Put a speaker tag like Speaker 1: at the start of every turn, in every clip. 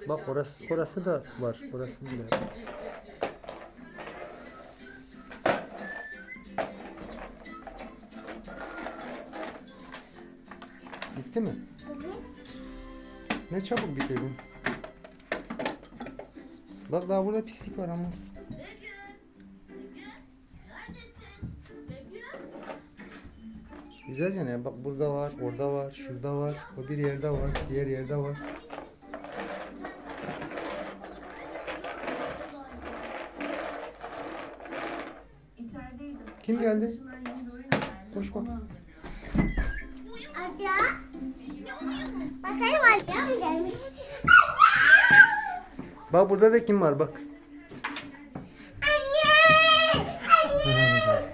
Speaker 1: Bak orası da var. Orasını da yap. Bitti mi? Ne çabuk bitirdin. Bak daha burada pislik var ama. Güzelce ne? Bak burada var, orada var, şurada var, o bir yerde var, diğer yerde var. Kim geldi? Koş bak.
Speaker 2: Aca. Bakayım Aca mı gelmiş?
Speaker 1: Bak burada da kim var bak.
Speaker 2: Anne! Anne!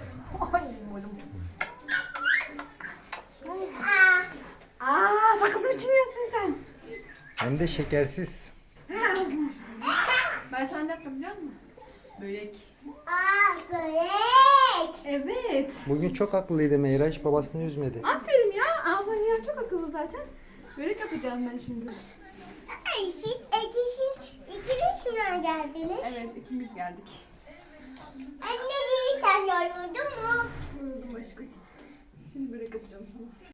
Speaker 3: Sakızın içine yatsın sen.
Speaker 1: Hem de şekersiz.
Speaker 3: Ben sana ne yapacağım biliyor musun? Börek.
Speaker 2: Börek!
Speaker 3: Evet.
Speaker 1: Bugün çok akıllıydı Meyraç, babasını üzmedi.
Speaker 3: Aferin ya. Ablan ya çok akıllı zaten. Börek yapacağım ben şimdi.
Speaker 2: Ay siz ikiniz mi geldiniz?
Speaker 3: Evet ikimiz geldik.
Speaker 2: Anne değil sen yoruldun mu?
Speaker 3: Yoruldum aşkım. Şimdi börek yapacağım sana.